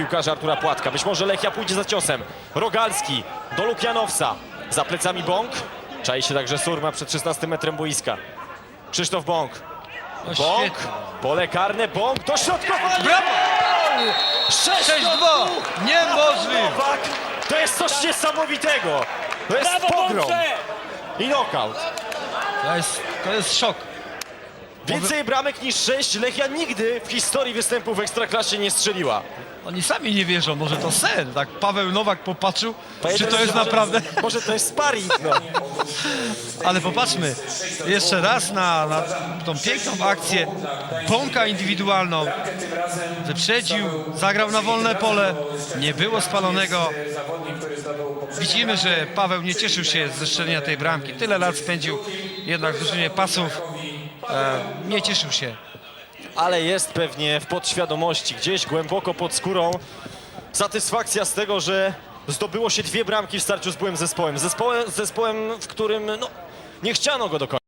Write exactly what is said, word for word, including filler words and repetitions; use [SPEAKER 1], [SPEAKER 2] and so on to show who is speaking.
[SPEAKER 1] piłkarza Artura Płatka. Być może Lechia pójdzie za ciosem. Rogalski do Lukianowca. Za plecami Bąk. Czai się także Surma przed szesnastym metrem boiska. Krzysztof Bąk.
[SPEAKER 2] No
[SPEAKER 1] Bąk.
[SPEAKER 2] świetnie.
[SPEAKER 1] Pole karne. Bąk. Dośrodkowanie.
[SPEAKER 2] Brawo!
[SPEAKER 1] sześć
[SPEAKER 2] sześć dwa! Niemożliwe!
[SPEAKER 1] Nowak. To jest coś niesamowitego. To jest
[SPEAKER 3] Brawo,
[SPEAKER 1] pogrom.
[SPEAKER 3] Bącze!
[SPEAKER 1] I knockout.
[SPEAKER 2] To jest, to jest szok.
[SPEAKER 1] Więcej bramek niż sześć Lechia nigdy w historii występów w Ekstraklasie nie strzeliła.
[SPEAKER 2] Oni sami nie wierzą, może to sen. Tak Paweł Nowak popatrzył, czy to jest
[SPEAKER 1] Może-
[SPEAKER 2] naprawdę...
[SPEAKER 1] Może to jest sparring, no.
[SPEAKER 2] Ale popatrzmy jeszcze raz na, na tą piękną akcję. Bąka indywidualną. Wyprzedził, zagrał na wolne pole. Nie było spalonego. Widzimy, że Paweł nie cieszył się ze strzelenia tej bramki. Tyle lat spędził jednak w drużynie Pasów. E, nie cieszył się.
[SPEAKER 1] Ale jest pewnie w podświadomości, gdzieś głęboko pod skórą satysfakcja z tego, że zdobyło się dwie bramki w starciu z byłym zespołem. Zespołem, zespołem w którym no, nie chciano go do końca.